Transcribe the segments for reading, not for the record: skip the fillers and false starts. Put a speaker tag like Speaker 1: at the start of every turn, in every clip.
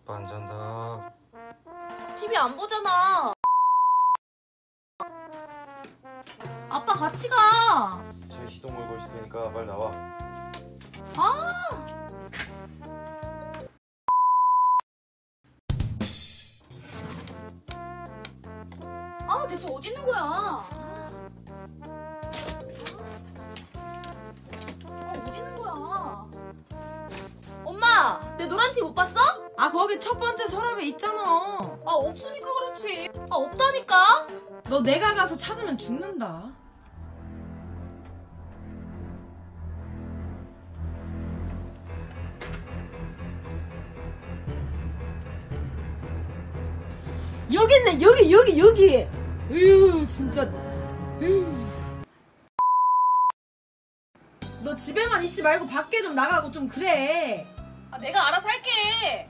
Speaker 1: 아빠 안 잔다.
Speaker 2: TV 안 보잖아. 아빠 같이 가.
Speaker 1: 제 시동 걸고 있을 테니까 빨리 나와.
Speaker 2: 아! 아, 대체 어디 있는 거야? 어디 있는 거야? 엄마, 내 노란 티 못 봤어?
Speaker 3: 아, 거기 첫 번째 서랍에 있잖아.
Speaker 2: 아, 없으니까 그렇지. 아, 없다니까?
Speaker 3: 너 내가 가서 찾으면 죽는다. 여기 있네. 여기. 으유, 진짜. 으유. 너 집에만 있지 말고 밖에 좀 나가고 좀 그래.
Speaker 2: 아, 내가 알아서 할게.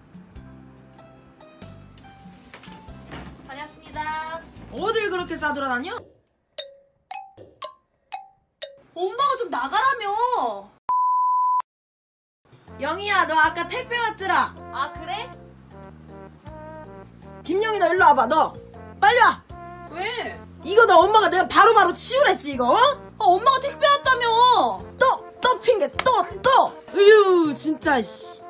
Speaker 2: 다녀왔습니다.
Speaker 3: 어딜 그렇게 싸돌아다녀?
Speaker 2: 엄마가 좀 나가라며.
Speaker 3: 영희야, 너 아까 택배 왔더라.
Speaker 2: 아, 그래?
Speaker 3: 김영희, 너 일로 와봐. 너 빨리 와.
Speaker 2: 왜?
Speaker 3: 이거 너 엄마가 내가 바로바로 치우랬지 이거.
Speaker 2: 아, 엄마가 택배 왔다며.
Speaker 3: 또 핑계 또 으유 진짜 씨.